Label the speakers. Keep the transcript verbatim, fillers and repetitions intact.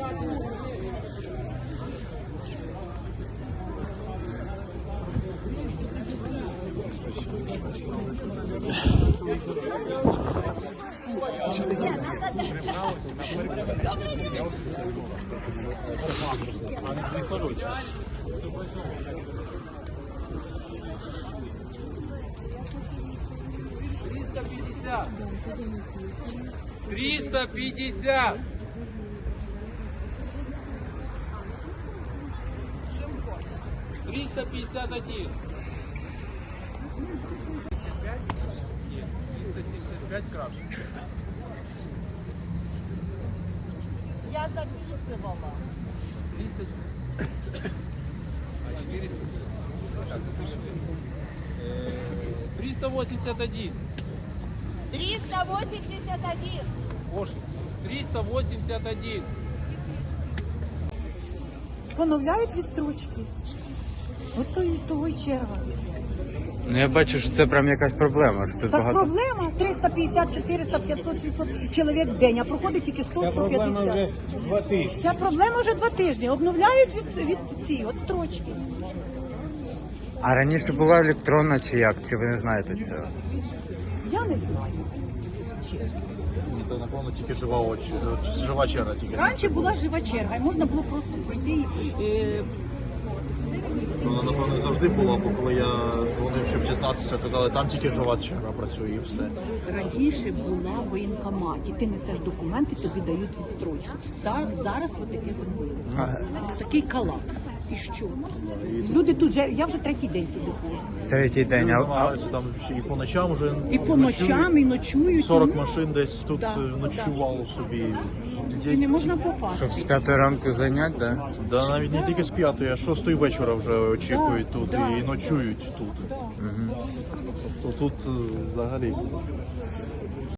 Speaker 1: триста пятьдесят. триста пятьдесят один. Нет, триста семьдесят пять краше.
Speaker 2: Я записывала.
Speaker 1: триста а четыреста. Так, э, триста восемьдесят один.
Speaker 2: триста восемьдесят один.
Speaker 1: Оши. триста восемьдесят один.
Speaker 3: Поновляють відстрочки. От то і того й черга.
Speaker 4: Ну я бачу, що це прям якась проблема. Що тут
Speaker 3: Так
Speaker 4: багато.
Speaker 3: проблема триста п'ятдесят, чотириста, п'ятсот, шістсот чоловік в день, а проходить тільки сто сто п'ятдесят.
Speaker 5: два тижні.
Speaker 3: Ця проблема вже два тижні. Обновляють від, від ці от строчки.
Speaker 4: А раніше була електронна чи як? Чи ви не знаєте цього?
Speaker 3: Я не знаю.
Speaker 5: Це, напевно, тільки жива очі, жива черга тільки.
Speaker 3: Раніше була жива черга, і можна було просто пройти і е,
Speaker 5: Вона, напевно, завжди була, бо коли я дзвонив, щоб дізнатися, казали, там тільки жива черга працює і все.
Speaker 3: раніше була в воєнкоматі. Ти несеш документи, тобі дають відстрочку. Зараз, зараз от таке зробили. Такий колапс. І що? Люди тут вже, я вже третій день сюди ходжу.
Speaker 4: Третій день.
Speaker 5: Люди
Speaker 4: А, а,
Speaker 5: намагаються там ще і по ночам вже
Speaker 3: І по ночам, і ночують.
Speaker 5: сорок
Speaker 3: і-
Speaker 5: машин десь тут
Speaker 3: Да,
Speaker 5: е, ночувало собі.
Speaker 3: І не можна попасти.
Speaker 4: щоб з п'ятої ранку зайняти, да?
Speaker 5: Да, навіть не тільки з п'ятої, а з шостої вечора вже очікують
Speaker 3: Да,
Speaker 5: тут
Speaker 3: да.
Speaker 5: і ночують тут.
Speaker 3: Да.
Speaker 5: То тут е, взагалі